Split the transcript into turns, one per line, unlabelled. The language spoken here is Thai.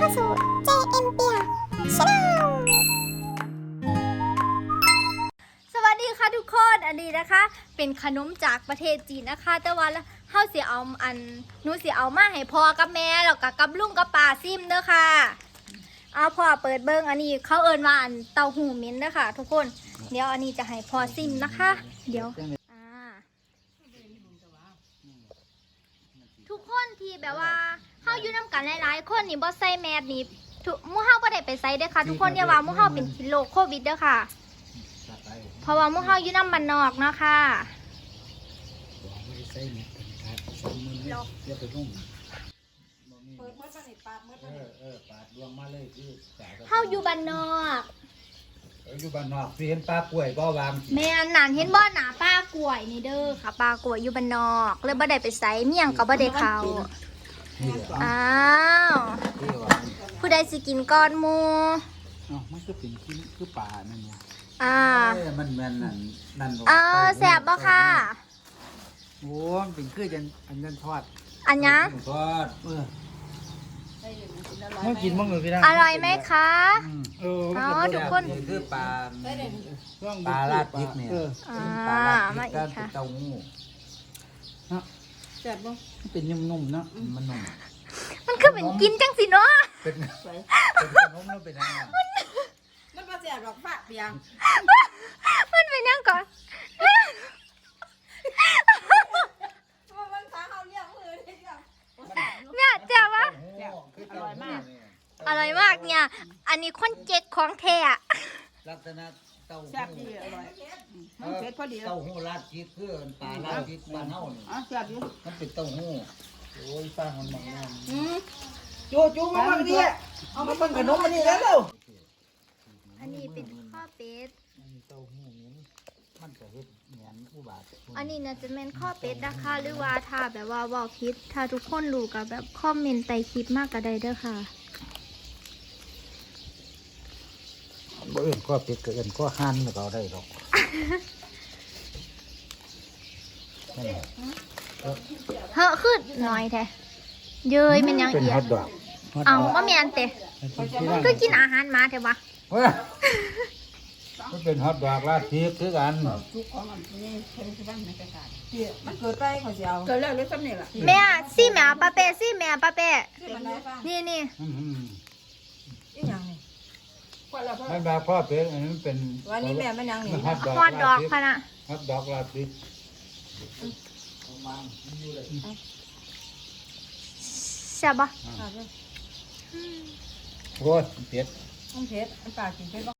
เข้าสู่ JM เปีย Channel
สวัสดีค่ะทุกคนอันนี้นะคะ เป็นขนมจากประเทศจีนนะคะ แต่ว่าเฮาสิเอาหนูสิเอามาให้พ่อกับแม่แล้วก็กับลุงกับป้าซิมเด้อค่ะเอาพ่อเปิดเบิ่งอันนี้เขาเอิ้นว่าเต้าหู้เหม็นเด้อค่ะ ทุกคนเดี๋ยวอันนี้จะให้พ่อซิมนะคะ เดี๋ยวทุกคนที่แบบว่าเฮาอยู่นำกันหลายๆคนนี่บ่ใส่แมสนี่หมู่เฮาบ่ได้ไปใส่เด้อค่ะทุกคนอย่าว่าหมู่เฮาเป็นโรคโควิดเด้อค่ะเพราะว่าหมู่เฮาอยู่นำบ้านนอกเนาะค่ะเฮาอยู่บ้านนอก
อยู่บ้านนอกสิเห็นปลากล้วยบ่วาง
แม่นานเห็นบ่หน้าป้ากล้วยนี่เด้อค่ะป้ากล้วยอยู่บ้านนอกเลยบ่ได้ไปใส่เมี่ยงก็บ่ได้เข้าอ้าวผู้ใดสิกินก่อนหมู่
มันก็เป็นคือป่านั่นเนี่ยมันนั่น
แซ่บบ่ค่ะ
โอ้มันเป็นคืออันนั้นทอด
อันยัง
ทอดมันกินมั้งเลยพี่นะ
อร่อยไหมคะทุกคน
คือปลาลาดพริกเนี่ยปลาลาดพริกก็เต้าหู้
แซ่บบ่
เป็นนุ่มๆเนาะมันนุ่ม
มันคือเป็นกินจังสิเนาะ
เป็นขนมแล้วเป็นยังไง
มันบ่แซ่บหรอกฝากเปียง
มันเป็นยังก่อน
มันขาเฮาเลี้ยงมือได้จัง
เนี่ยเจ้าวะ
อร่อยมาก
อร่อยมากเนี่ยอันนี้คนเจ๊กของแท้
ลักษณะเต้าหู้
แซ่บดีอร่อยมันเผ็ดพอดี
เต้าหู้ราดพริกคือปลาราดพริกบ้านเฮานี่
แซ่บดี
มันเป็นเต้าหู้โอ้ยป้ามันบอกว่า
จูมาบังดีเอามาเบิ่งขนมอันนี้แล้ว
อันนี้เป็นข้อเป็ด
เต้าหู้นี้มันก็เฮ็ดเหมือนอุบาท
อันนี้น่าจะเป็นข้อเป็ดนะคะหรือว่าถ้าแบบว่าบอกพิษถ้าทุกคนรู้กับแบบคอมเมนต์ใต้คลิปมากก็ได้เด้อค่ะ
บ่เอื่นก็เป็ดก็เอื่นก็หั่นแล้วก็ได้ดอกนั่นแหละ
เฮ้อขึ้นหน่อยแท้เย้ยมันยังเอียดเอาว่ามีอันเตะก็กินอาหารมาเถอะวะ
มันเป็นฮอทดอกราดพริกคือกัน
ทุกของอันนี้เพิ่นสิบ้านในกระดาษมันเกิดไปเขาสิเอาเกิดแล้วเลยซ้ำนี่ล่ะ
แม่ซี่แม่ป้าเป้ซี่แม่ป้าเป้นี่
อีหยังนี่
ไม่แบบพ่อเป็ดอันนี้เป็น
วันนี้แม่มันยังนี่
ฮอทดอกพะนะ
ฮอทดอกราดพริก
ใช่ปะ
โอ้ยเป็ด
มันเผ็ดมันปลากินเผ็ด